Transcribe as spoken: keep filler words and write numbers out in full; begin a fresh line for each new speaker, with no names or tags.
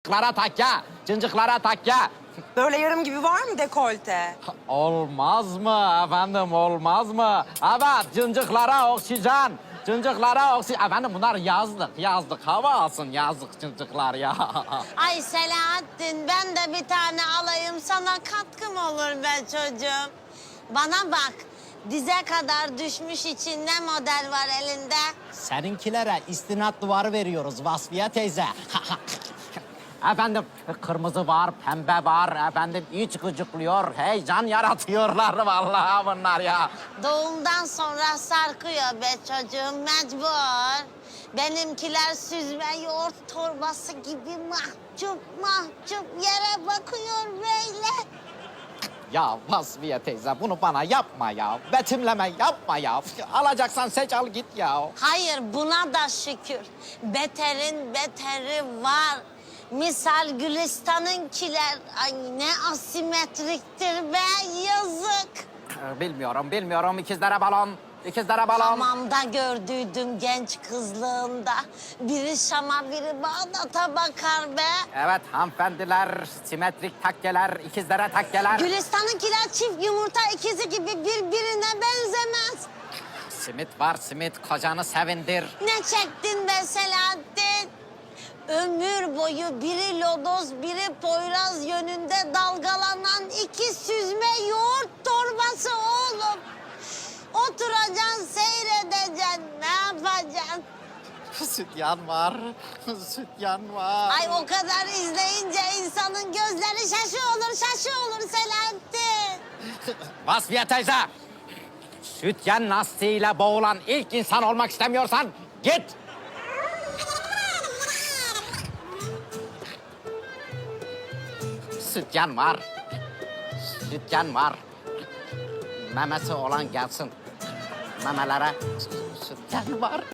Cıncıklara takya, cıncıklara takya.
Böyle yarım gibi var mı dekolte?
Olmaz mı efendim, olmaz mı? Evet, cıncıklara oksijen, cıncıklara oksijen. Efendim bunlar yazlık, yazlık. Hava alsın yazlık cıncıklar ya.
Ay Selahattin, ben de bir tane alayım, sana katkım olur be çocuğum. Bana bak, dize kadar düşmüş için ne model var elinde?
Seninkilere istinat duvarı veriyoruz Vasfiye teyze.
Efendim kırmızı var, pembe var. Efendim iç gıcıklıyor, heyecan yaratıyorlar vallahi bunlar ya.
Doğumdan sonra sarkıyor be çocuğum, mecbur. Benimkiler süzme yoğurt torbası gibi mahcup mahcup yere bakıyor böyle.
Ya Vasfiye teyze bunu bana yapma ya. Betimleme yapma ya. Alacaksan seç al git ya.
Hayır, buna da şükür. Beterin beteri var. Misal Gülistan'ınkiler, ay ne asimetriktir be, yazık.
Ee, Bilmiyorum, bilmiyorum. İkizlere balon, ikizlere balon.
Hamamda gördüydüm genç kızlığında. Biri Şam'a, biri Bağdat'a bakar be.
Evet hanımefendiler, simetrik takkeler, ikizlere takkeler.
Gülistan'ınkiler çift yumurta ikizi gibi birbirine benzemez.
Simit var, simit. Kocanı sevindir.
Ne çektin be Selahattin? Ömür boyu biri lodos, biri poyraz yönünde dalgalanan iki süzme yoğurt torbası oğlum. Oturacaksın, seyredeceksin, ne yapacaksın?
Sütyan var, sütyan var.
Ay o kadar izleyince insanın gözleri şaşı olur, şaşı olur Selahattin.
Vasfiye teyze, sütyen lastiğiyle boğulan ilk insan olmak istemiyorsan git. Sütyen var, sütyen var. Memesi olan gelsin. Memelere sütyen var.